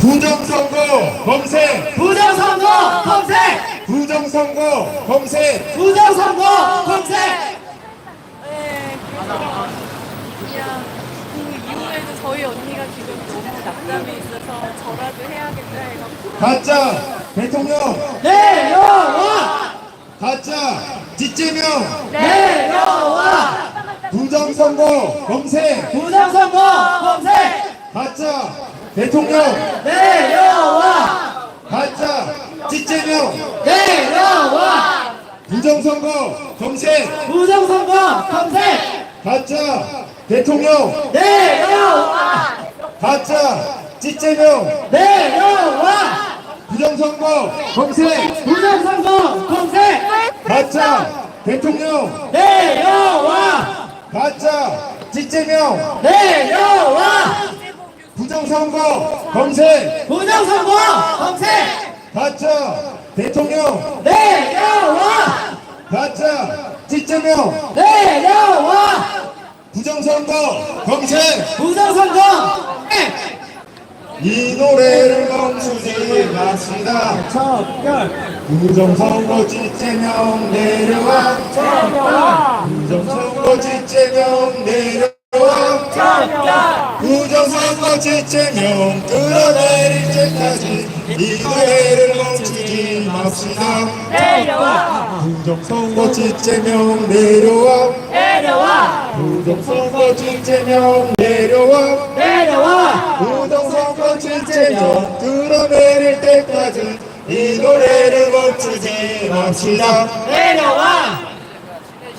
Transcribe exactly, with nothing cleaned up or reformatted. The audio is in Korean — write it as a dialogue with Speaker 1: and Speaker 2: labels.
Speaker 1: 부정선거 검색
Speaker 2: 부정선거 검색!
Speaker 1: 부정선거 검색
Speaker 2: 부정선거 검색!
Speaker 3: 네, 그래서 그냥 그 이후에도 저희 언니가 지금 너무 낙담이 있어서 저라도 해야겠다 해갖고
Speaker 1: 가짜 대통령
Speaker 2: 내려와!
Speaker 1: 가짜 뒷제명
Speaker 2: 내려와!
Speaker 1: 부정선거 검색
Speaker 2: 부정선거 검색!
Speaker 1: 가짜 대통령
Speaker 2: 내려와!
Speaker 1: 가짜 뒷제명
Speaker 2: 내려와!
Speaker 1: 부정선거 검색
Speaker 2: 부정선거 검색!
Speaker 1: 가짜 대통령
Speaker 2: 내려와!
Speaker 1: 가짜 뒷제명
Speaker 2: 내려와!
Speaker 1: 부정선거 검색
Speaker 2: 부정선거 검색!
Speaker 1: 가짜 대통령
Speaker 2: 내려와!
Speaker 1: 가짜 뒷제명
Speaker 2: 내려와!
Speaker 1: 부정선거 검색
Speaker 2: 부정선거 검색!
Speaker 1: 가짜 대통령
Speaker 2: 내려와!
Speaker 1: 가짜 뒷제명
Speaker 2: 내려와!
Speaker 1: 부정선거 검색
Speaker 2: 부정선거 검색!
Speaker 1: 이 노래를 멈추지 맙시다.
Speaker 2: 척결!
Speaker 1: 부정선거 뒷제명 내려와
Speaker 2: 내려와!
Speaker 1: 부정선거 뒷제명 내려와
Speaker 2: 척결!
Speaker 1: 부정선거 뒷제명 끌어내릴 때까지 이 노래를 멈추지 맙시다.
Speaker 2: 내려와!
Speaker 1: 부정선거 뒷제명 내려와
Speaker 2: 내려와!
Speaker 1: 부정선거 뒷제명 내려와
Speaker 2: 내려와!
Speaker 1: 부정선거 뒷제명 끌어내릴 때까지 이 노래를 멈추지 맙시다.
Speaker 2: 내려와!